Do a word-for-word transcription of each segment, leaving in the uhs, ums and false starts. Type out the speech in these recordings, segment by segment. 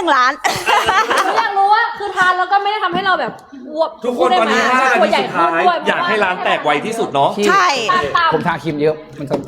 ล้านอยากรู้ว่าคือทานแล้วก็ไม่ได้ทำให้เราแบบอวบทุกคนตอนนี้ห้านาทีสุดท้ายอยากให้ร้านแตกไวที่สุดเนาะใช่ผมทาครีมเยอะมันจะ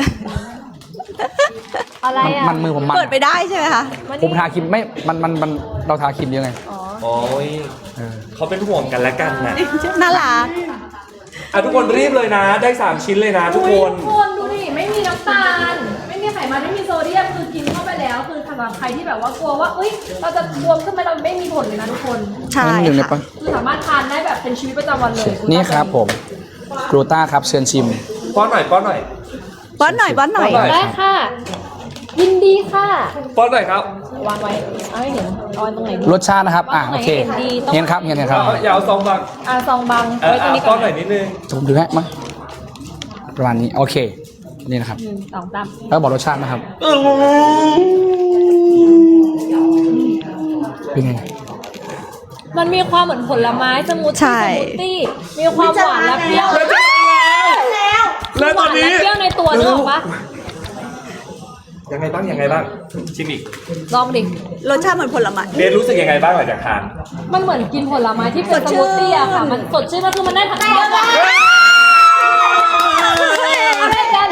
อะไรอ่ะมันมือผมมันเปิดไปได้ใช่ไหมคะผมทาครีมไม่มันมันมันเราทาครีมเยอะไงโอ้ยเขาเป็นห่วงกันและกันนะน่ารักอ่ะทุกคนรีบเลยนะ ได้สามชิ้นเลยนะทุกคนทุกคนดูดิไม่มีน้ำตาลไม่มีไขมันไม่มีโซเดียมคือกินเข้าไปแล้วคือสำหรับใครที่แบบว่ากลัวว่าเอ้ยเราจะบวมขึ้นไหมเราไม่มีผลเลยนะทุกคนใช่ค่ะคือสามารถทานได้แบบเป็นชีวิตประจำวันเลยนี่ครับผมกลูต้าครับเชิญชิมป้อนหน่อยป้อนหน่อยป้อนหน่อยป้อนหน่อยได้ค่ะยินดีค่ะป้อนหน่อยครับวางไว้เอาให้เห็นเอาไว้ตรงไหนรสชาตินะครับอ่ะโอเคเห็นครับเห็นครับอย่าเอาซองบังอ่าซองบังไว้ตรงนี้ป้อนหน่อยนิดนึงผมดูให้มาประมาณนี้โอเคนี่นะครับสองตามแล้วบอกรสชาตินะครับเป็นไงมันมีความเหมือนผลไม้สมูทตี้สมูทตี้มีความหวานและเปรี้ยวแล้วแล้วตอนนี้เปรี้ยวในตัวนึกออกปะยังไงบ้างยังไงบ้างชิมอีกลองดิรสชาติเหมือนผลไม้เบนรู้สึกยังไงบ้างหลังจากทานมันเหมือนกินผลไม้ที่เป็นสมูทตี้อะค่ะมันสดชื่นมันคือมันได้ทั้งตัวอะไรกัน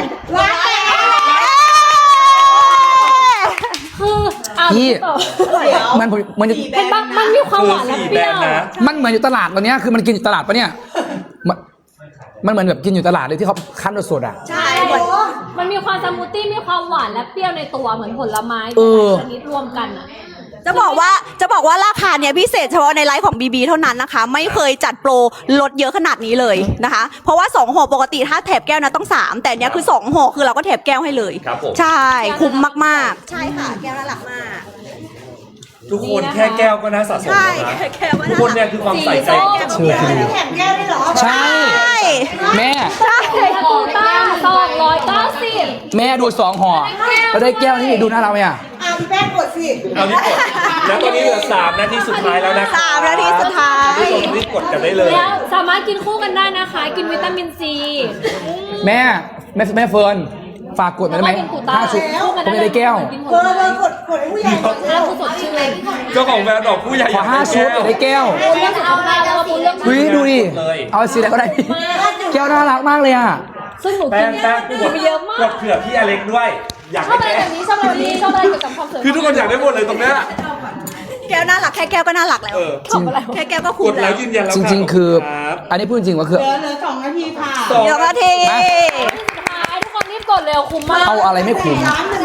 คือพี่มันมันเป็นบ้างมันมีความหวานและเปรี้ยวมันเหมือนอยู่ตลาดตอนนี้คือมันกินอยู่ตลาดปะเนี่ยมันเหมือนแบบกินอยู่ตลาดเลยที่เขาคั้นสดๆอ่ะใช่มันมีความสมูทตี้มีความหวานและเปรี้ยวในตัวเหมือนผลไม้ชนิดรวมกันอ่ะจะบอกว่าจะบอกว่าราคาเนี้ยพิเศษเฉพาะในไลฟ์ของ บี บี เท่านั้นนะคะไม่เคยจัดโปรลดเยอะขนาดนี้เลยนะคะเพราะว่าสองห่อปกติถ้าแถบแก้วนะต้องสามแต่เนี้ยคือสองห่อคือเราก็แถบแก้วให้เลยใช่คุ้มมากๆใช่ค่ะแก้วน่ารักมากทุกคนแค่แก้วก็น่าสะสมแล้วนะทุกคนเนี่ยคือความใส่ใจเชื่อที่แถมแก้วได้หรอใช่แม่ใช่กูต้าสองร้อยเก้าสิบแม่ดูสองห่อแล้วได้แก้วนี่ดูน่ารักไหมอ่ะอ่ะแป้งกดสิเอานี่กดแล้วตอนนี้เหลือสามนาทีสุดท้ายแล้วนะสามนาทีสุดท้ายทุกคนรีบกดกันได้เลยแล้วสามารถกินคู่กันได้นะคะกินวิตามินซีแม่แม่แม่เฟิร์นฝากกดหน่อยได้ไหมห้าชุดผมจะได้แก้วเฟิร์นเฟิร์นกดกดให้ผู้ใหญ่ก่อนแล้วคือสดชื่นเลยเจ้าของแบรนด์ดอกผู้ใหญ่ขอห้าชุดได้แก้วเอามาแล้วมาพูดเรื่องเฮ้ยดูดิเอาสีอะไรก็ได้แก้วน่ารักมากเลยอ่ะซึ่งหนูกินไปเยอะมากกดเผื่อพี่อเล็กด้วยอยากชอบอะไรแบบนี้ชอบอะไรแบบนี้ชอบอะไรเกี่ยวกับความสวยคือทุกคนอยากได้หมดเลยตรงเนี้ยแก้วน่ารักแค่แก้วก็น่ารักแล้วจริงแค่แก้วก็คุ้มแล้วยืนยันแล้วจริงๆคืออันนี้พูดจริงว่าคือเหลือเหลือสองนาทีค่ะสองนาทีทุกคนรีบกดเร็วคุ้มมากเอาอะไรไม่คุ้ม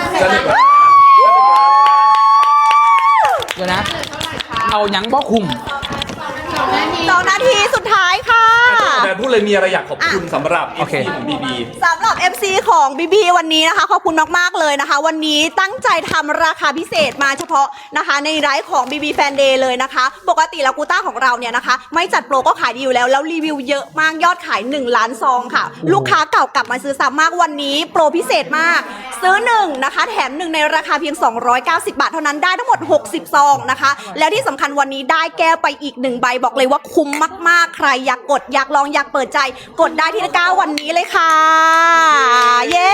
เดี๋ยวนะเอายังบ่คุ้มสองนาทีสุดท้ายค่ะแต่พูดเลยมีอะไรอยากขอบคุณสำหรับ เอฟ ซี ของ บี บีสำหรับ เอฟ ซี ของ บี บี วันนี้นะคะขอบคุณมากๆเลยนะคะวันนี้ตั้งใจทำราคาพิเศษมาเฉพาะนะคะในไลฟ์ของ บี บี Fan Day เลยนะคะปกติแล้วกูต้าของเราเนี่ยนะคะไม่จัดโปรก็ขายดีอยู่แล้วแล้วรีวิวเยอะมากยอดขายหนึ่งล้านซองค่ะลูกค้าเก่ากลับมาซื้อซ้ำมากวันนี้โปรพิเศษมากซื้อหนึ่งนะคะแถมหนึ่งในราคาเพียงสองร้อยเก้าสิบบาทเท่านั้นได้ทั้งหมดหกสิบซองนะคะแล้วที่สำคัญวันนี้ได้แก้วไปอีกหนึ่งใบบอกเลยว่าคุ้มมากๆใครอยากกดอยากลองอยากเปิดใจกดได้ที่ตะกร้าวันนี้เลยค่ะเย้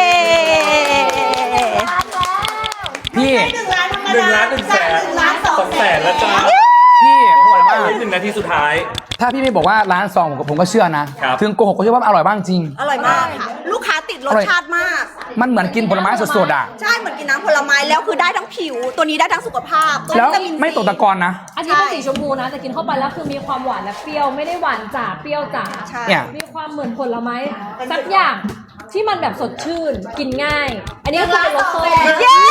พี่หนึ่งล้านหนึ่งแสนสองแสนแล้วจ้าพี่โหดมากหนึ่งนาทีสุดท้ายถ้าพี่ไม่บอกว่าร้านซองผมก็เชื่อนะถึงโกหกก็เชื่อว่าอร่อยบ้างจริงอร่อยมากค่ะลูกค้าติดรสชาติมากมันเหมือนกินผลไม้สดๆอ่ะใช่เหมือนกินน้ำผลไม้แล้วคือได้ทั้งผิวตัวนี้ได้ทั้งสุขภาพแล้วไม่ตกตะกอนนะอันนี้เป็นสีชมพูนะแต่กินเข้าไปแล้วคือมีความหวานและเปรี้ยวไม่ได้หวานจ๋าเปรี้ยวจ๋ามีความเหมือนผลไม้สักอย่างที่มันแบบสดชื่นกินง่ายอันนี้คือรสส้มเย้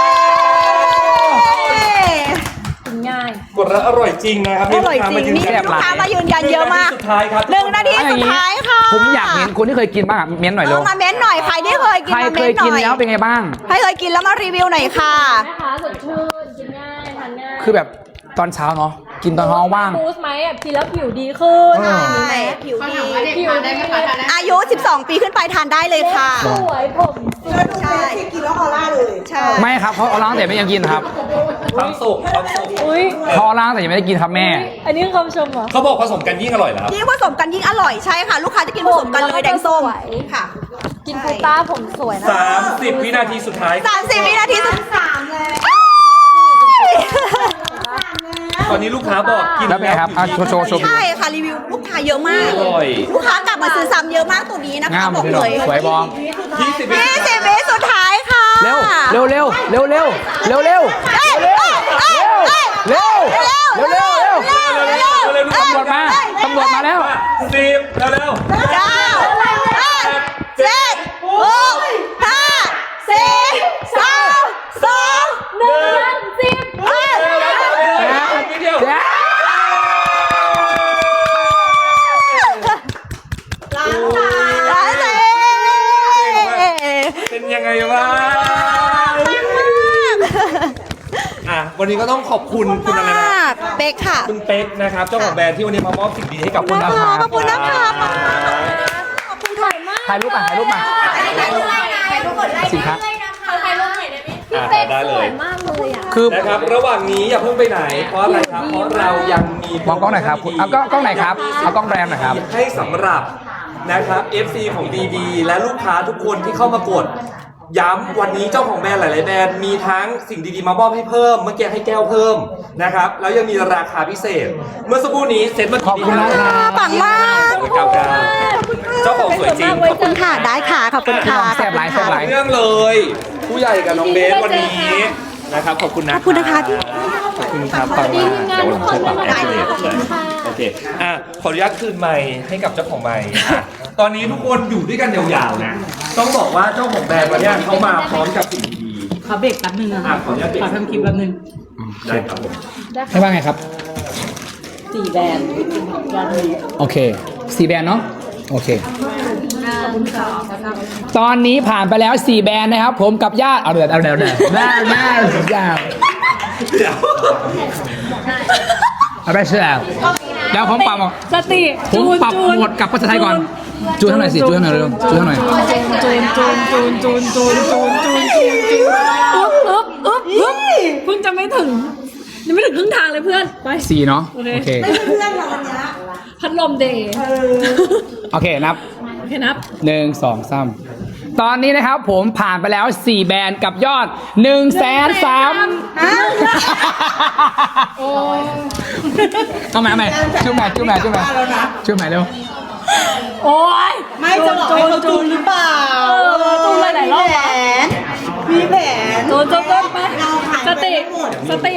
กินง่ายกดแล้วอร่อยจริงนะครับอร่อยจริงมีลูกค้ามายืนยันเยอะมากสุดท้ายครับหนึ่งนาทีสุดท้ายค่ะผมอยากเห็นคนที่เคยกินบ้างเม้นหน่อยเลยมาเม้นหน่อยใครที่เคยกินมาเม้นหน่อยใครเคยกินแล้วเป็นไงบ้างใครเคยกินแล้วมารีวิวหน่อยค่ะนะคะสดชื่นกินง่ายทานง่ายคือแบบตอนเช้าเนาะกินตอนท้องว่างบูสไหมกินแล้วผิวดีขึ้นใช่ผิวดีผิวได้อายุสิบสองปีขึ้นไปทานได้เลยค่ะสวยผมใช่กินแล้วออร่าเลยใช่ไม่ครับเขาเอาล้างแต่ไม่ยังกินครับความสุขความสุขเขาล้างแต่ยังไม่ได้กินครับแม่อันนี้คำชมเหรอเขาบอกผสมกันยิ่งอร่อยแล้วยิ่งผสมกันยิ่งอร่อยใช่ค่ะลูกค้าจะกินผสมกันเลยแดงส้มค่ะกินกูต้าผมสวยนะสามสิบวินาทีสุดท้ายสามสิบวินาทีสุดสามเลยตอนนี้ลูกค้าบอกกินแล้วเป็นไงครับอ่ะโชว์โชว์โชว์ใช่ค่ะรีวิวลูกค้าเยอะมากอร่อยลูกค้ากลับมาซื้อซ้ำเยอะมากตัวนี้นะคะงามบอกพี่เลน้องยสวยบองยี่สิบวิยี่สิบวิสุดท้ายค่ะเร็วเร็วเร็วเร็วเร็วเร็วเร็วเอ้ยเร็วเอ้ยเร็วเอ้ยเร็วเร็วเร็วเร็วเร็วเร็วเร็วๆตำรวจมาตำรวจมาแล้วสิบเร็วเก้าแปดเจ็ดหกห้าสี่สามสองหนึ่งสิบเอ้ยๆนิดเดียวเดี๋ยวร้านเซ่เป็นยังไงวะอ่ะวันนี้ก็ต้องขอบคุณคุณอะไรนะเป๊กค่ะคุณเป๊กนะครับเจ้าของแบรนด์ที่วันนี้มามอบสิ่งดีให้กับขอบคุณนะครับขอบคุณนะคะขอบคุณถ่ายมากถ่ายรูปมาถ่ายรูปมาสินค้าอ่ะเป๊กได้สเลวย ยมากเลยอ่ะคือนะครับระหว่างนี้อย่าเพิ่งไปไหน เพราะอะไรครับ เพราะเรายังมีมองกล้องหน่อยครับคุณเอากล้องกล้องไหนครับเอากล้องแบรนด์หน่อยครับให้สำหรับนะครับ เอฟ ซี ของ บี บี และลูกค้าทุกคนที่เข้ามากด ย้ำวันนี้เจ้าของแบรนด์หลาย ๆ แบรนด์มีทั้งสิ่งดี ๆ มามอบให้เพิ่ม เมื่อกี้ให้แก้วเพิ่มนะครับแล้วยังมีราคาพิเศษ เมื่อสักครู่นี้เซ็ตเมื่อขอบกี้คุณนะครับปังมากสองเก้าเก้าเจ้าของสวยจริงขอบคุณค่ะ ได้ค่ะ ขอบคุณค่ะแซ่บหลายแซ่บหลายเรื่องเลย ผู้ใหญ่กับน้องเบสวันนี้นะครับขอบคุณนะขอบคุณนะคะที่ขอบคุณครับสวัสดีทีมงานทุกคนด้วยนะคะขอบคุณค่ะโอเคอ่ะขออนุญาตคืนไมค์ให้กับเจ้าของไมค์อ่ะตอนนี้ทุกคนอยู่ด้วยกันยาวๆนะต้องบอกว่าเจ้าของแบรนด์วันเนี้ยเขามาพร้อมกับสิ่งดีขอเบรกแป๊บนึงนะๆคอ่ะรับขออนุญาตเบรกขอทำคลิปแป๊บนึงได้ครับผมให้ว่าไงครับสี่แบรนด์ยอดนี้โอเคสี่แบรนด์เนาะโอเค ตอนนี้ผ่านไปแล้วสี่แบรนด์นะครับ ผมกับญาติเอาเดือดเอาเดือดเอาเดือดหน้าหน้าสุดยาวเดี๋ยวเอาไปเชื่อเดี๋ยวผมปรับหมดสติผมปรับหมดกับภาษาไทยก่อน จูนเท่าไหร่อยสิจูนเท่าไหร่อยเร็วจูนเท่าไหร่อยจูนจูนจูนจูนจูนจูนจูนจูนจูนอึ๊บอึ๊บอึ๊บอึ๊บเพิ่งจะไม่ถึงยังไม่ถึงครึ่งทางเลยเพื่อนไปสี่เนาะโอเคพัดลมเดย์โอเคนับโอเคนับหนึ่งสองสามตอนนี้นะครับผมผ่านไปแล้วสี่แบรนด์กับยอดหนึ่งแสนสามเอาใหม่เอาใหม่จุ๊บใหม่จุ๊บใหม่จุ๊บใหม่จุ๊บใหม่เร็วโอ้ยไม่จะบอกให้เขาจูนหรือเปล่าเออจูนเลยหลายรอบอะมีแผนจูนจูนจูนไปสติสติ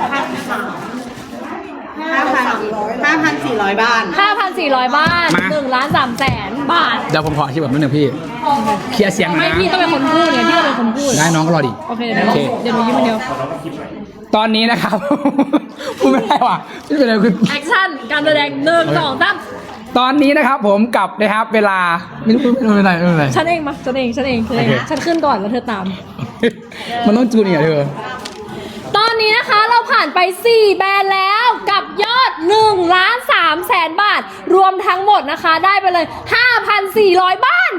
ห้าพันห้าพันสี่ร้อยบ้านห้าพันสี่ร้อยบ้านหนึ่งล้านสามแสนบาทเดี๋ยวผมขอที่แบบนิดนึงพี่เคลียร์เสียงหน่อไม่ยนะพี่ต้องเป็นคนพูดเนี่ยพี่ต้องเป็นคนพูดได้น้องก็รอดิโอเคเดี๋ยวเดี๋ยวหนูยิ้มคนเดียวตอนนี้นะครับ พูดไม่ได้ว่ะไม่เป็นไรคือแอคชั่นการแสดงหนึ่งสองสามตอนนี้นะครับผมกลับนะครับเวลาไม่รู้ไม่เป็นไรไม่เป็นไรฉันเองมาฉันเองฉันเองฉันเองโอเคฉันขึ้นก่อนแล้วเธอตามมันต้องจูนเนี่ยเธอตอนนี้นะคะเราผ่านไปสี่แบรนด์แล้วกับยอด1ล้าน3แสนบาท รวมทั้งหมดนะคะได้ไปเลย ห้าพันสี่ร้อย บ้าน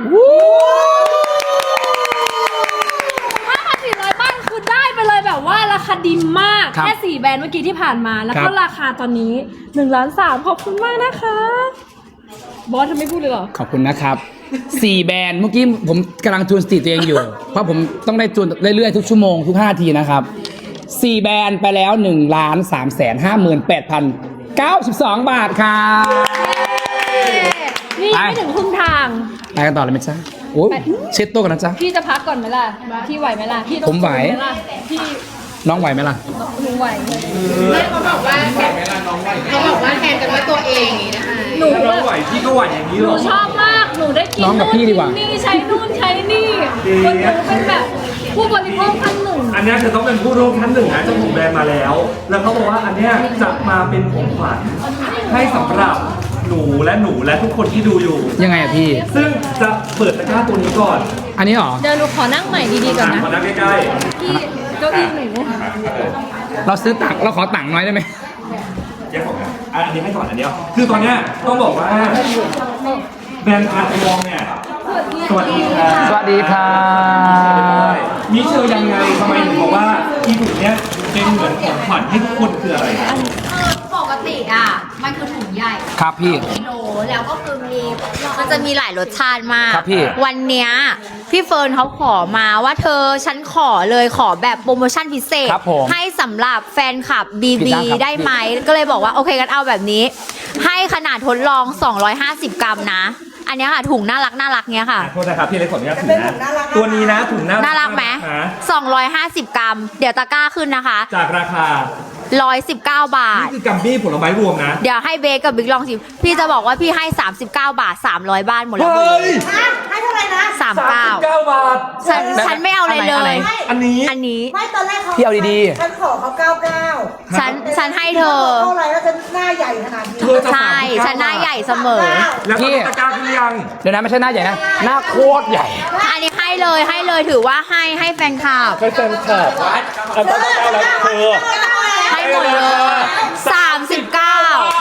ห้าพันสี่ร้อย บ้านคือได้ไปเลยแบบว่าราคาดีมากครับแค่สี่แบรนด์เมื่อกี้ที่ผ่านมาแล้วคก็รับราคาตอนนี้1ล้านสามขอบคุณมากนะคะบอสทำไม่พูดเลยเหรอขอบคุณนะครับสี่แบรนด์เมื่อกี้ผมกำลังจูนสติตัวเองอยู่ เพราะผมต้องได้จูนเรื่อยๆทุกชั่วโมงทุกห้าทีนะครับสี่แบรนด์ไปแล้วหนึ่งล้านสามแสนห้าหมื่นแปดพันเก้าสิบสองบาทครับนี่ยังไม่ถึงครึ่งทางไปกันต่อเลยไหมจ๊ะโอ้ไปเช็ดโต๊ะกันนะจ๊ะพี่จะพักก่อนไหมล่ะ พี่ไหวไหมล่ะ พี่ต้องผมไหวสู้ล่ะพี่น้องไหวไหมล่ะหนูไหวเขาบอกว่าแทนกันว่าตัวเองอย่างนี้นะคะหนูถ้าน้องไหวพี่ก็ไหวอย่างนี้หหรนูอชอบมาก หนูได้กินน้องกับพี่ดีกว่านี่ใช้นู่นใช้นี่คนหนูเป็นแบบผู้บริโภคท่านหนึ่งอันเนี้ยคือต้องเป็นผู้ร่วมชั้นหนึ่งนะเจ้าของแบรนด์มาแล้ว แล้วเขาบอกว่าอันเนี้ยจะมาเป็นของขวัญให้สำหรับหนูและหนูและทุกคนที่ดูอยู่ยังไงอะพี่ซึ่งจะเปิดตะกร้าตัวนี้ก่อนอันนี้เหรอเดี๋ยวหนูขอนั่งใหม่ดีๆก่อนนะขอนั่งใกล้พี่เก้าอี้หนูเราซื้อตังค์เราขอตังค์น้อยได้ไหมๆแยกของกันอ่ะอันนี้ให้ก่อนอันเดียวคือตอนเนี้ยต้องบอกว่าแบรนด์คาร์ทองเนี่ยสวัสดีครับสวัสดีครับมิเชลยังไงทำไมถึงบอกว่าอีบุกเนี้ยเป็นเหมือนของขวัญให้ทุกคนคืออะไรครับปกติติอ่ะมันคือถุงใหญ่ครับพี่กิโลแล้วก็คือมีมันจะมีหลายรสชาติมากครับพี่วันเนี้ยพี่เฟิร์นเขาขอมาว่าเธอฉันขอเลยขอแบบโปรโมชั่นพิเศษครับผมให้สำหรับแฟนคลับ บีผิดบีด้านครับได้ไหมก็เลยบอกว่าโอเคกันเอาแบบนี้ ให้ขนาดทดลอง สองร้อยห้าสิบ กรัมนะ อันเนี้ยค่ะถุงน่ารักน่ารักเนี้ยค่ะโทษนะครับพี่เล็กขออนุญาตถือนะตัวนี้นะถุงน่าน่ารักไหมฮะสองร้อยห้าสิบ กรัม เดี๋ยวตะกร้าขึ้นนะคะจากราคาหนึ่งร้อยสิบเก้า บานี่ทคือกัมบี้ผลไม้รวมนะเดี๋ยวให้เบสกับบิ๊กลองชิมพี่จะบอกว่าพี่ให้ สามสิบเก้า บาท สามร้อย บ้านหมดแล้วหมดเฮ้เลย ยให้เท่าไหร่นะสามสิบเก้าเก้าบาทฉันฉันไม่เอาอะไรเลยอันนี้อันนี้ไม่ตอนแรกเขาพี่เอาดีฉันขอเขาเก้าเก้าฉันฉันให้เธอเท่าไหร่แล้วฉันหน้าใหญ่ขนาดนี้เธอจะใช่สามสิบเก้าฉันหน้าใหญ่เสมอแล้วก็ตะกร้าขึ้นยังๆ เดี๋ยวนะไม่ใช่หน้าใหญ่นะ หน้าโคตรใหญ่อันนี้ให้เลยให้เลยถือว่าให้ให้แฟนคลับให้แฟนคลับเอาตะกร้าแล้วเธอให้หมดเลยสามสิบเก้า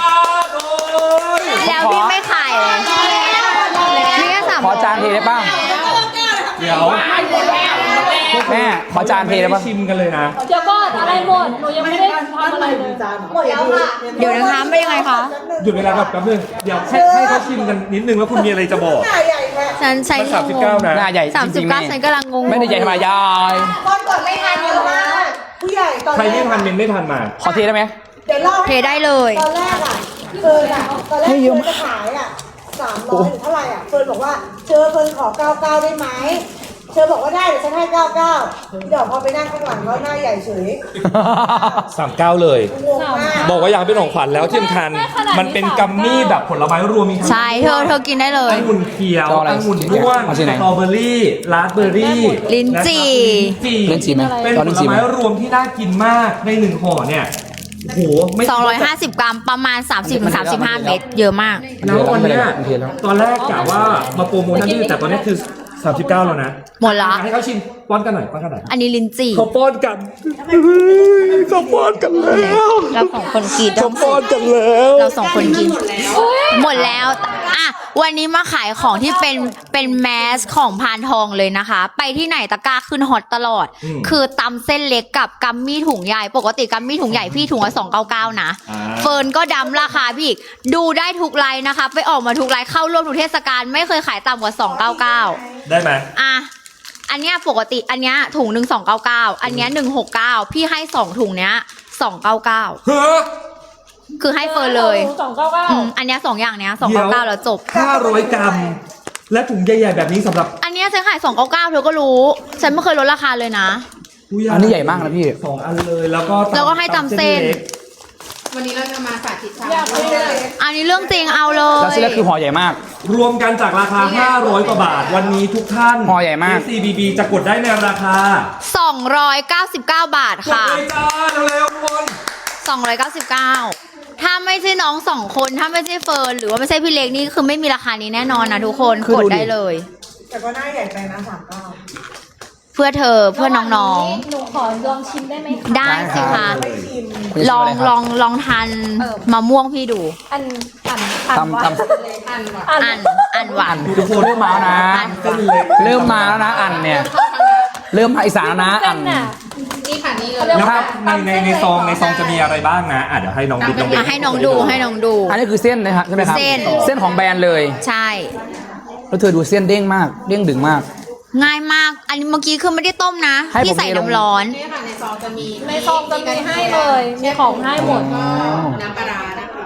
แล้วพี่ไม่ขายเลยนี่ก็สามขอจานเทได้ป่ะเดี๋ยวแม่ขอจานเทได้ป่ะชิมกันเลยนะเดี๋ยวก่อนอะไรหมดหนูยังไม่ได้ทำอะไรเลยหมดแล้วค่ะเดี๋ยวนะคะไม่ยังไงคะหยุดเวลาก่อนแป๊บนึงเดี๋ยวให้ให้เขาชิมกันนิดนึงว่าคุณมีอะไรจะบอกหน้าใหญ่แค่ฉันใช้มันสามสิบเก้านะหน้าใหญ่สามจสิริบงๆเก้านี่ฉันกำลังงงไม่ได้ใหญ่ธรรมดายายตอนก่อนไม่ทันเยอะมากผู้ใหญ่ตอนใครแรไม่กทันเมนไม่ทันมาขอเทได้ไหมเดี๋ยวเล่าเทให้ได้เลยตอนแรกอ่ะเฟิร์นอ่ะตอนแรกเฟิร์นจะขายอ่ะสามร้อยหรือเท่าไหร่อ่ะเฟิร์นบอกว่าเชอเฟิร์นขอเก้าเก้าได้ไหมเชอบอกว่าได้เดี๋ยวฉันให้เก้าเก้าพี่ดอกพอไปนั่งข้างหลังแล้วหน้าใหญ่เฉยสามเก้าเลยงงมากบอกว่าอยากเป็นของขวัญแล้วที่สำคัญมันเป็นกัมมี่แบบผลไม้รวมมีทั้งใช่เธอเธอกินได้เลยองุ่นเขียวเอาอะไรองุ่นร่วงเอาสที่ไหนตรอเบอรี่ราสเบอรี่ลิ้นจี่นะครับลิ้นจี่เล่นจีไหมเป็นตอนผเล่นลจีไหมไม้รวมที่น่ากินมากในหนึ่งห่อเนี่ยโอ้โหไม่สองร้อยห้าสิบ กรัมประมาณ สามสิบถึงสามสิบห้า เม็ดเยอะมากแล้ววันเนี้ยมันเทแล้วตอนแรกกะว่ามาโปรโมชั่นที่แต่ตอนนี้คือสามสิบเก้าแล้วนะหมดละให้เขาชิมป้อนกันหน่อยป้อนกันหน่อยอันนี้ลิ้นจี่เขาป้อนกันเขาป้อนกันแล้วเราสองคนกินเขาป้อนกันแล้วเราสองคนกิน หมดแล้วอ่ะวันนี้มาขายของที่เป็นเป็นแมสของพานทองเลยนะคะ ไปที่ไหนตะกร้าขึ้นฮอตตลอด คือตำเส้นเล็กกับกัมมี่ถุงใหญ่ ปกติกัมมี่ถุงใหญ่พี่ถุงละสองเก้าเก้านะ เฟิร์นก็ดำราคาพี่อีกดูได้ทุกไลน์นะคะ ไปออกมาทุกไลน์เข้าร่วมทุกเทศกาลไม่เคยขายต่ำกว่าสองเก้าเก้าได้ไหมอ่ะ อันเนี้ยปกติอันเนี้ยถุงหนึ่งสองเก้าเก้าอันเนี้ยหนึ่งหกเก้าพี่ให้สองถุงเนี้ยสองเก้าเก้าเฮ้อคือให้เฟิร์นเลยสองเก้าเก้าอืมอันเนี้ยสองอย่างเนี้ยสองเดี๋เก้ายวเก้าแล้วจบห้าร้อยกรัม และถุงใหญ่ๆแบบนี้สำหรับอันเนี้ยฉันขายสองเก้าเก้าเธอก็รู้ ฉันไม่เคยลดราคาเลยนะผู้ใหญ่อันนี้ใหญ่มากนะพี่สองอันเลยแล้วก็ตำแล้วก็ให้ตำเส้นล็กวันนี้เราจะมาสาธิตทำอยากเลยอันนี้เรื่องจริงเอาเลแล้วยเส้นเล็กคือห่อใหญ่มากรวมกันจากราคา ห้าร้อย กว่าบาท วันนี้ทุกท่านห่อใหญ่มากเอฟ ซี บี บี จะกดได้ในราคาสองร้อยเก้าสิบเก้า บาทกดค่ะเลยจ้าเร็วๆทุกคนสองร้อยเก้าสิบเก้า ถ้าไม่ใช่น้องสองคน ถ้าไม่ใช่เฟิร์นหรือว่าไม่ใช่พี่เล็กนี่คือไม่มีราคานี้แน่นอนนะทุกคนคือกดดูดิได้เลยแต่ก็หน้าใหญ่ไปนะสามเก้าเพื่อเธอเพื่อน้องหนูขอลองชิมได้ไหมคะๆ ได้สิคะไม่ชิมลองลองลองทานมะม่วงพี่ดูอันอันอันตำว่าตำอันอันอันหวานทุกคนเริ่มมาแล้วนะเส้นเล็กเริ่มมาแล้วนะอันเนี่ย เริ่มมาอีสานแล้วนะอันน่ะนี่ค่ะนี่เลยแล้วในในในซองในซองจะมีอะไรบ้างนะอ่ะเดี๋ยวให้น้องบิ๊กน้องบิ๊อ่ะกให้น้องดูให้น้องดูอันนี้คือเส้นนะครับใช่ไหมครับเส้นเส้นของแบรนด์เลยใช่แล้วเธอดูเส้นเด้งมาก เด้งดึงมากง่ายมาก อันนี้เมื่อกี้คือไม่ได้ต้มนะให้ผมพี่ใส่เทลงน้ำร้อนนี่ค่ะในซองจะมีในซองจะมีให้เลย มีของให้หมดน้ำปลาร้านะคะ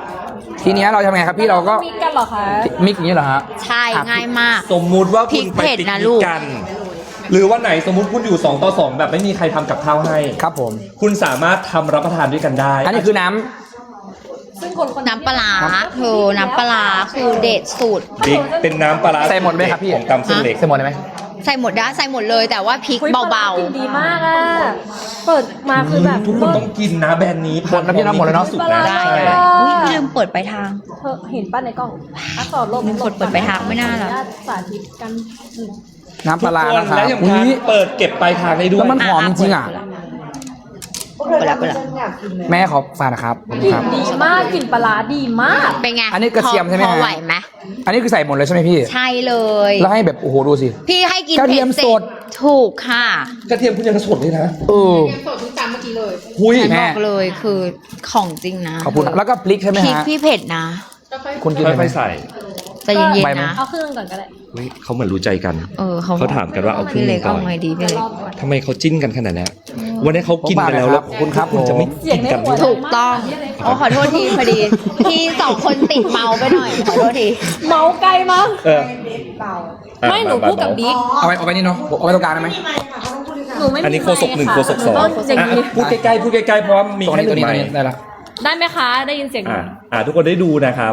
ทีเนี้ยเราทำไงครับพี่เราก็มีกันเหรอคะมิกอย่างนี้เหรอฮะใช่ง่ายมากสมมุติว่าพริคุณกไปเผ็ดปิกนะนิลูกกกัน หรือวันไหนสมมุติคุณอยู่สองต่อสองแบบไม่มีใครทำกับข้าวให้ครับผมคุณสามารถทำรับประทานด้วยกันได้อันนี้คือน้ำซึ่งคนคนน้ำปลาร้าเธอน้ำปลาร้าคือเด็ดสุดบิ๊กเป็นน้ำปลาร้าใส่หมดไหมครับพี่ของตำเส้นเล็กใส่หมดเลยไหมใส่หมดได้ใส่หมดเลยแต่ว่าพริกอุ๊ยเบาปลร้กินดีมากอ่ะ เปิดมาคือแบบทุกคนต้องกินนะแบรนด์นี้หมดนะพี่นะหมดแล้วเนอะสุดนะๆได้ใช่ได้อุ้ยลืมเปิดไปทางเธอเห็นป้าในกล้องอ่ะต่อลบมีคนเปิดไปทางไม่น่าหรอสาธิตกันอืมน้ำปลาร้านะครับและอย่างอุ้พันยเปิดเก็บปลายทางได้ด้วแล้ยวมันหอมจริงๆอ่ะพวกเธอทำให้ฉันอยากกินเลยแม่ขอฝากนะครับขอบกคุณลิ่คน รับดีมากกลิ่นปลาร้าดีมากเป็นไงอันนี้กระเทียมใช่ไหมพอฮะไหวไหมอันนี้คือใส่หมดเลยใช่ไหมพี่ใช่เลยแล้วให้แบบโอ้โหดูสิพี่ให้กินกระเทียมผ็สดถูกค่ะกระเทียมคุณยังสดเลยนะเออเตรียมสดทุกจานเมื่อกี้เลยหุยฉันแม่บอกเลยคือของจริงนะขอบคุณครับแล้วก็พริกใช่ไหมพริกฮะพี่เผ็ดนะคุณกินไหมค่อยๆใส่ใจะเย็นใบๆมั้นะยเอาเครื่องก่อนก็ได้เฮ้ยเขาเหมือนรู้ใจกันเออเขาเขาถามกันว่าเอาครึ่พี่งหเล็นึ่กงก่อเอานไงดีพี่เล็กทำไมเขาจิ้นกันขนาดนี้วันนี้เขากินไปแล้วแล้วขอบคุณครับคุณจะไม่เสียกิงนในกันหัวด้วยถูกต้องโอ้ขอโทษทีพอดี พี่สองคนติดเมาไปหน่อย ขอโทษทีเมาไกลมั้งเออไม่หนูพูดกับบิ๊กเอาไว้เอาไว้นี่เนาะเอาไว้ตรงกลางได้ไหมหนูไม่มีอันนี้โคศกหนึ่งไมโคค์ศกสองค่ะต้อย่างอ่ะนี้พูดใกล้ๆพูดใกล้ๆเพราะว่ามีตรงแค่นี้หตัวนึ่นี้งตัวไมนี้ค์ได้ละได้ไหมคะ ได้ยินเสียงหนูอ่ะอ่ะทุกคนได้ดูนะครับ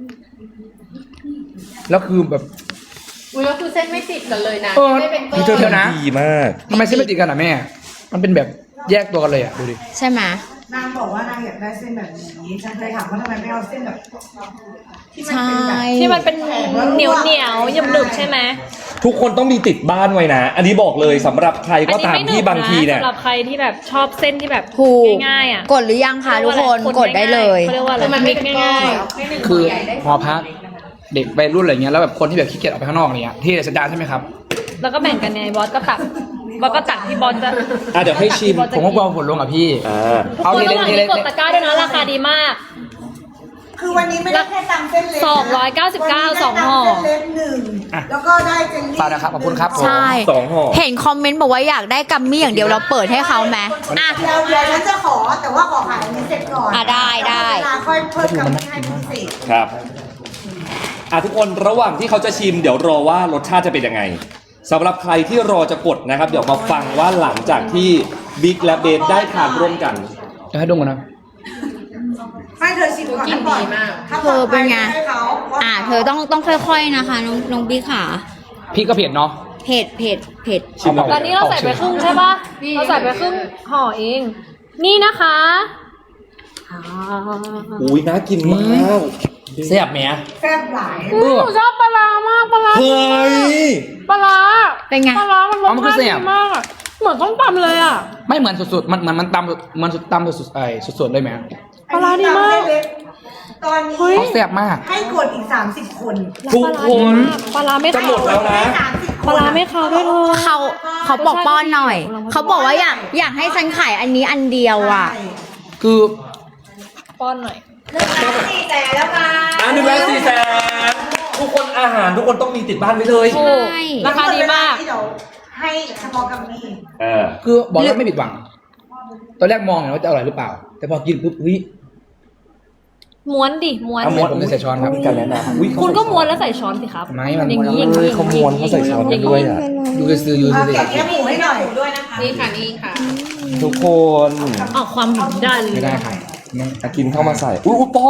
แล้วคือแบบอุ้ยแล้วคือเส้นไม่ติดกันเลยนะเออไม่ได้เป็นก้พี่เธออนเดี๋ยวนะทำดีมากทำไมเส้นไม่ติดกันอ่ะแม่ มันเป็นแบบแยกตัวกันเลยอ่ะดูดิใช่ไหมนางบอกว่านางอยากได้เส้นแบบนี้ ฉันเคยถามว่าทำไมไม่เอาเส้นแบบที่มันใช่เป็นแบบที่มันเป็นเหนียวเหนียวๆหนึบหนึบๆใช่ไหมทุกคนต้องมีติดบ้านไว้นะ อันนี้บอกเลยสำหรับใครอันก็นี้ตามไม่หนึที่บบางทีเนี่ยสำหรับใครที่แบบชอบเส้นที่แบบถูกง่ายๆอ่ะกดหรือยังคะทุกคนกดได้เลยเขาเรียกว่าอะไรคือมันไม่มิกเป็นก้อง่ายนคือหอพักเด็กวัยรุ่นอะไรเงี้ยแล้วแบบคนที่แบบขี้เกียจออกไปข้างนอกอะไรเงี้ยที่สัญญาณใช่ไหมครับๆแล้วก็แบ่งกันไงบอสก็ตักบอสก็ตักที่บอสจะอ่ะเดี๋ยวให้ชิมผมก็กลัวผลลงอ่ะพี่อ่าทุกเอาคนทีระเล็หกว่างทีนี้เล็กกดตะกร้าด้วยนะราคาดีมากคือวันนี้ไม่ได้แค่ตำเส้นเล็กนะสองร้อยเก้าสิบเก้าวันนี้ได้สองห่อตำเส้นเล็กหนึ่งอ่ะแล้วก็ได้เจลลี่ฝากนะครับขอบคุณครับผมใช่สองห่อเห็นคอมเมนต์บอกว่าอยากได้กัมมี่อย่างเดียวเราเปิดให้เขาไหมอ่ะเดี๋ยวเดี๋ยวฉันจะขอแต่ว่าขอขายอันนี้เสร็จก่อนอ่ะได้ได้เวลาค่อยเพิ่มกำลังให้พิเศษครับอ่ะทุกคนระหว่างที่เขาจะชิมเดี๋ยวรอว่ารสชาติจะเป็นยังไงสำหรับใครที่รอจะกดนะครับ เดี๋ยวมาฟังว่าหลังจากที่บิ๊กและเบสได้ทานร่วมกันจะให้ดมกันนะให้เธอชิมก่อนกินดีมากถ้าเธอเป็นไงให้เขาพราะอ่ะเธอต้องต้องค่อย ๆนะคะน้องน้องบิ๊กค่ะพี่ก็เผ็ดเนาะเผ็ดเผ็ดเผ็ดชิมแล้วตอนนี้เราใส่ไปครึ่งใช่ปะเราใส่ไปครึ่งห่อเอง นี่นะคะอ่าอุ้ยน่ากินมากแซ่บไหมแซ่บหลายอุ๊ยหนูชอบปลาร้ามากปลาร้าเฮ้ยปลาร้าเป็นไงปลาร้ามันรอ๋สอมันคือชาติแซ่ดีบมากอะเหมือนต้มตำเลยอ่ะไม่เหมือนสุดๆ มันมันมันตำมันสุดตำสุดๆไอ้สุดๆเลยไหมปลาร้าดีมากอันนี้ตำเส้นเล็กตอนนี้เฮ้ยเขาแซ่บมากให้กดอีก สามสิบ คนทุกคนปลาร้าไม่จะหมดแล้วนะสามสิบปลาร้าไม่คาวด้วยเธอเขาเขาบอกป้อนหน่อย เขาบอกว่าอยากอยากให้ฉันขายอันนี้อันเดียวอ่ะคือป้อนหน่อยสี่แสนแล้วค่ะอ่ะหนึ่งล้านสี่แสนทุกคนอาหารทุกคนต้องมีติดบ้านไว้เลยถูกใช่ราคาดีมากเดี๋ยวให้เฉพาะกับนี่เออคือบอกแล้วไม่ผิดหวัง ตอนแรกมองอยู่ว่าจะอร่อยหรือเปล่า แต่พอกินปุ๊บเฮ้ยม้วนดิม้วนเอาม้วนผมจะใส่ช้อนครับมีการแนะนำอุ๊ยเขาคุณก็ใส่ม้วนแล้วใส่ช้อนสิครับไม่มันอย่างนี้อย่างเฮ้นี้ยเขาม้วนเขาใส่ช้อนกันด้วยอ่ะยูจะซื้อยูเอาจะซื้อแกะแก้หมูให้หน่อยด้วยนะคะนี่ค่ะนี่ค่ะทุกคนออกความหิวได้เลยไม่ได้ค่ะไม่อ่ะกินเข้ามาใส่อุ้ยอุ๊ยป้อน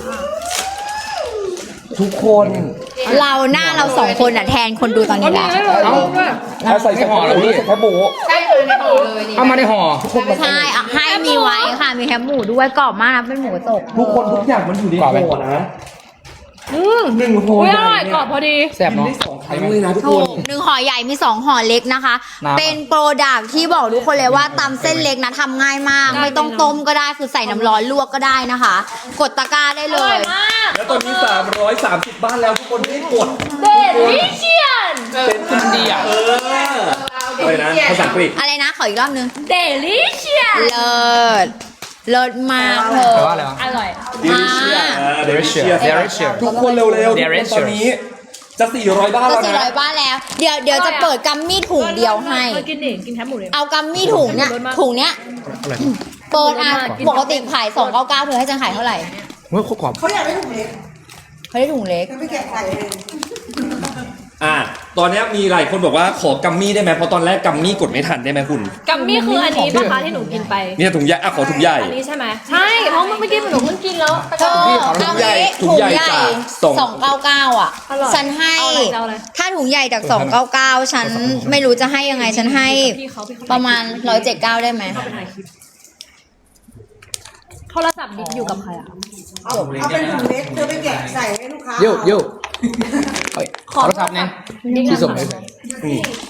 ทุกคนเราหน้าเราสองคนอ่ะแทนคนดูตอนนี้แหละเอาเอาใส่ไม่แค่ห่อเหรอหมูพี่ใส่แค่หมูใช่ค่ะในห่อเลยนี่เอามาในห่อใช่อ่ะให้มีไว้ค่ะ มีแคบหมูด้วยกรอบมากนะเป็นหมูกระจกทุกคนทุกอย่างมันอยู่ในกรอบไหมห่อนะอืมหนึ่งห่ออุ้ยใหอญ่ร่อยเนี่กรอบพอดีแซ่บกินเนาะได้สองครั้งเลยนะทุกคถูนกหนึ่งห่อใหญ่มีสองห่อเล็กนะคะน้ำเป็นโปรดักที่บอกทุกคนเลยว่าตำเส้นเล็กนะทำง่ายมากได้ไม่ต้องต้มก็ได้คือใส่น้ำร้อนลวกก็ได้นะคะ กดตะกร้าได้อเลร่อยยมากแล้วตอนนี้สามร้อยสามสิบบ้านแล้วทุกคนที่กดเดลิเชียนมันดีอ่ะเอออะไรนะภาษาอังกฤษอะไรนะขออีกรอบนึงเดลิเชียนเลิศเลิศมากเธอแปลว่าอะไรวะอร่อย delicious delicious delicious ทุกคนเร็วๆทุกคน delicious ตอนนี้จะสี่ร้อยบ้านก็แล้วสี่ร้อนะยบ้านแล้ว เดี๋ยวเดี๋ยวจะเปิดกัมมี่ถุงเดียวให้มากินดิกินแคบหมูเลยเอากัมมี่ถุงเนี่ยถุงเนี้ยอะไรเปิดอ่ะกินปกติขายสองเก้าเก้าเธอให้ฉันขายเท่าไหร่เฮ้ยโคตรกรอบเขาอยากได้ถุงเล็กเขาได้ถุงเล็กจะไปแกะใส่เองอ่ะตอนนี้มีหลายคนบอกว่าขอกัมมี่ได้ไหมเพราะตอนแรกกัมมี่กดไม่ทันได้ไหมคุณกัมมี่คืออันนี้ปะคะที่หนูกินไปเนี่ยถุงใหญ่อ่ะขอถุงใหญ่อันนี้ใช่ไหมใช่เพราะเมื่อกี้หนูเพิ่งกินแล้วเธอพี่ขอถุงใหญ่เอางี้ถุงใหญ่ถุงใหญ่จากสองสองเก้าเก้าอ่ะอร่อยฉันให้เอาอะไรเอาอะไรถ้าถุงใหญ่จากสองเก้าเก้าฉันไม่รู้จะให้ยังไงฉันให้พี่เขาพี่เขาประมาณร้อยเจ็ดเก้าได้ไหมเขาไปถ่ายคลิปโทรศัพท์บิ๊กอยู่กับใครอ่ะเอาเอาเป็นถุงเล็กเธอไปแกะใส่ให้ลูกค้าโย่โย่เฮ้ยขอโทรศัพท์เนี่ยที่ส่งเลยนี่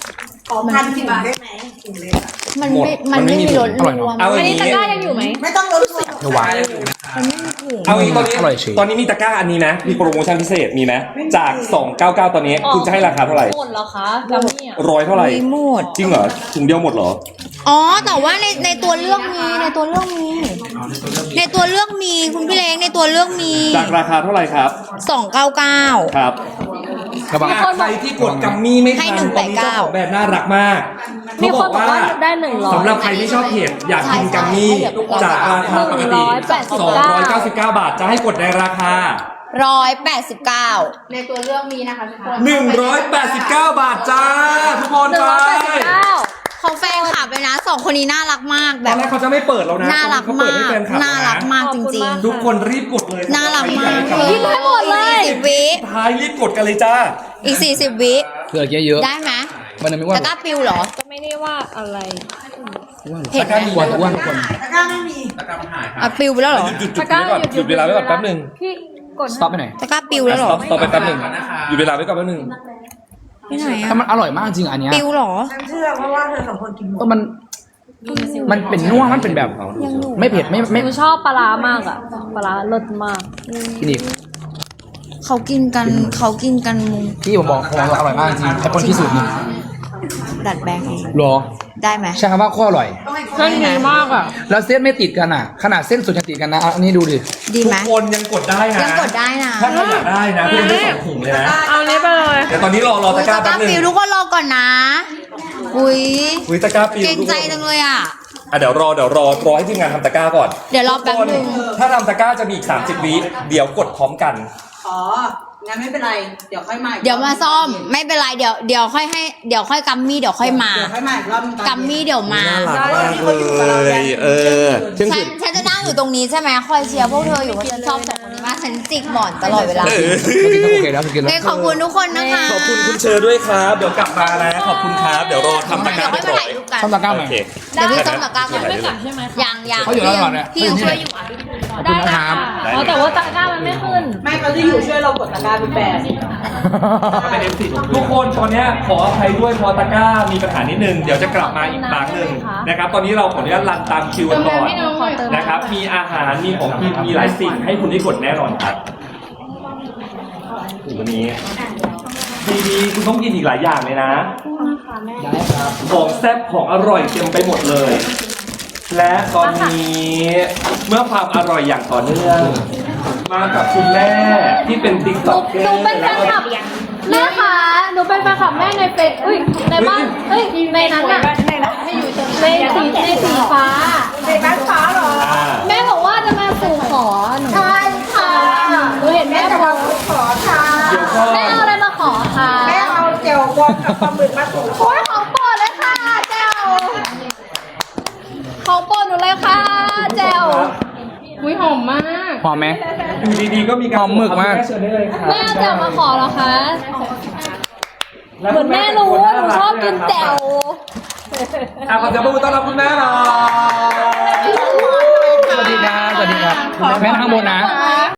อพันสิบบาทได้ไหมถุงเล็กมันไม่มันไม่มีรสรวมเอาอันอย่างนี้ตะนี้กร้ายังอยู่ไหมไม่ต้องลดเดี๋ยวหวานเอาอย่างนี้ตอนนี้อร่อยเฉยตอนนี้มีตะกร้าอันนี้ไหมมีโปรโมชั่นพิเศษมีไหมจากสองเก้าเก้าตอนนี้คุณจะให้ราคาเท่าไหร่หมดเหรอคะกัมมี่อ่ะร้อยเท่าไหร่มีหมดจริงเหรอถุงเดียวหมดเหรออ๋อ แต่ว่าในในตัวเลือกมีในตัวเลือกมี ในตัวเลือกมีคุณพี่เล้งในตัวเลือกมีจากราคาเท่าไหร่ครับสองเก้าเก้าครับระวังใครที่กดกัมมี่ไม่ทัให้นหนึ่งตแปอนดนี้เก้าเจ้าของแบรนด์น่ารักมากมีเขาคนบอกว่าได้หนึ่งร้อยสำหรับใครที่ชอบเผ็ดอยากกินกัมมี่จากราคาปกติ สองร้อยเก้าสิบเก้า บาทจะให้กดในราคาร้อยแปดสิบเก้าในตัวเลือกมีนะคะทุกคนหนึ่งร้อยแปดสิบเก้า บาทจ้าทุกคนหนึ่งไปร้อยแปดสิบเก้าเขาแฟนคลับเลยนะสองคนนี้น่ารักมากตแบอนบแรกเขาจะไม่เปิดแล้วนะน่ารักเขาเปิมาดให้กแฟนคลับน่ารักนะมากจริงทุกคนรีบกดเลยๆ น่ารักมากใครอยได้กัมมี่ให้หมดเลยสิบวิท้ายรีบกดกันเลยจ้าอีกสี่สิบวิเผื่อเยอะได้ไหมๆมันนึงไม่ว่าตะกร้าปิวเหรอก็ไม่ได้ว่าอะไรเห็นไหมอ้วนอ้วนคนตะกร้าไม่มีอ่ะปิวไปแล้วเหรอหยุดหยุดหยุดไว้ก่อนหยุดเวลาไว้ก่อนแป๊บหนึงพี่กดสต็อปไปหน่อยตะกร้าปิวแล้วเหรอต่อต่อไปแป๊บหนึงหยุดเวลาไว้ก่อนแป๊บหนึงที่ไหนถ้าอะมันอร่อยมากจริงอันเนี้ยปิวเหรอฉันเชื่อเพราะว่าเธอสองคนกินหมดก็มันมันเป็นนัวมันเป็นแบบ ไม่เผ็ดไม่ไม่หนูชอบปลาร้ามากอ่ะปลาร้าเลิศมากกินอีกเขากินกันเขากินกันมุงที่ผมบอกของเราอร่อยมากจริงไอ้คนที่สุดนี่ดัดแปลงเองหรอได้ไหมใช่คำว่าโคตรอร่อยเส้นดีมากอ่ะแล้วเส้นไม่ติดกันอ่ะ ขนาดเส้นสุดจะติดกันนะเอาอันนี้ดูดิดีทุไหมกคนยังกดได้นะยังกดได้นะถ้าใครอยากได้นะคุณได้สองถุงเลยนะเอานี้ไปเลยเดี๋ยวตอนนี้รอรอตะกร้าตะกแป๊ร้าบหนึงปิวทุกคนรอก่อนนะ อุ้ยอุ้ยตะกร้าปิวเกรงใจจังเลยอ่ะอ่ะเดี๋ยวรอเดี๋ยวรอรอให้ทีมงานทำตะกร้าก่อนเดี๋ยวรอแป๊บหนึงถ้าทำตะกร้าจะมีอีกสามสิบวิเดี๋ยวกดพร้อมกันอ๋อ งั้นไม่เป็นไร เดี๋ยวค่อยมาอีกเดี๋ยวมาซ่อมไม่เป็นไรเดี๋ยวเดี๋ยวค่อยให้เดี๋ยวค่อยกัมมี่เดี๋ยวค่อยมาเดี๋ยวค่อยมาอีกรอบนึงตอนกัมมี่เดี๋ยวมาน่ารักมากเลยเออเช่นฉัคืนนฉันจะนั่งอยู่ตรงนี้ใช่ไหมคอยเชียร์พวกเธออยู่ว่าฉันชอบสองคนนี้มากฉันจิกหมอนตลอดเวลาเออเมื่อกี้ก็โอเคแล้วกินเฮ้แล้ยว ขอบคุณทุกคนนะคะขอบคุณคุณเชอร์ด้วยครับ เดี๋ยวกลับมานะ ขอบคุณครับ เดี๋ยวรอทำตะกเดี๋ร้ายวค่อยเรียบมาร้อถ่าย ยรูปกันต้องตะกร้าใหม่โอเคเดี๋ยวพี่ต้มตะกร้าก่อนไม่กลับใช่ไหมคะยังยังเขาอยู่แล้วก่อนเนี่ยพี่ยังช่วยอยู่อ่ะขอบคุณนะครับอ๋อแต่ว่าตะกร้ามันไม่ขึ้นไม่เขาจะอยู่ช่วยเรากดตะกร้าเป็นแปดเป็น เอฟ ซี ทุกคนตอนเนี้ยขออภัยด้วยเพอตะกร้ามีปัญหานิดนึง เดี๋ยวจะกลับมาอีกครั้งหนึ่งนะครับ ตอนนี้เราขออนุญาตรันตามคิวกันก่อนนะครับ มีอาหาร มีของกิน มีหลายสิ่งให้คุณได้กดแน่นอนครับโอ้โหวันนี้ดีดีๆคุณต้องกินอีกหลายอย่างเลยนะ ของแซ่บของอร่อยเต็มไปหมดเลย และตอนนี้เมื่อความอร่อยอย่างต่อเนื่อง มากับคุณแม่ที่เป็นติ๊กหนูต็อกเกอหนูร์เป็นแฟนคลับแม่ค่ะหนูเป็นแฟนคลับแม่ในเฟซอุ้ยในบ้านเฮ้ยในนั้นอะในสีในสีฟ้าในบ้านฟ้าเหรอแม่บอกว่าจะมาสู่ขอหนูใช่ค่ะหนูเห็นแม่แม่จะบอมาก ขอค่ะเดี๋ยวก่อนแม่เอาอะไรมาขอค่ะแม่เอาเจลบวมกับปลาหมึกมาถูโอ้ยของโปรดเลยค่ะแจวของโปรดหนูเลยค่ะแจวอุ้ยหอมมากหอมไหมอยู่ดีๆก็มีการหอมหมึกมากแเชิญได้เลยครับแม่เอาแจวมาขอเหรอคะเหมือนแม่รู้ว่าหนูชอบกินแจวอ่ะขอเสียงปรบมือต้อนรับคุณแม่หน่อยสวัสดีครับ สวัสดีครับ แม่นั่งข้างบนนะ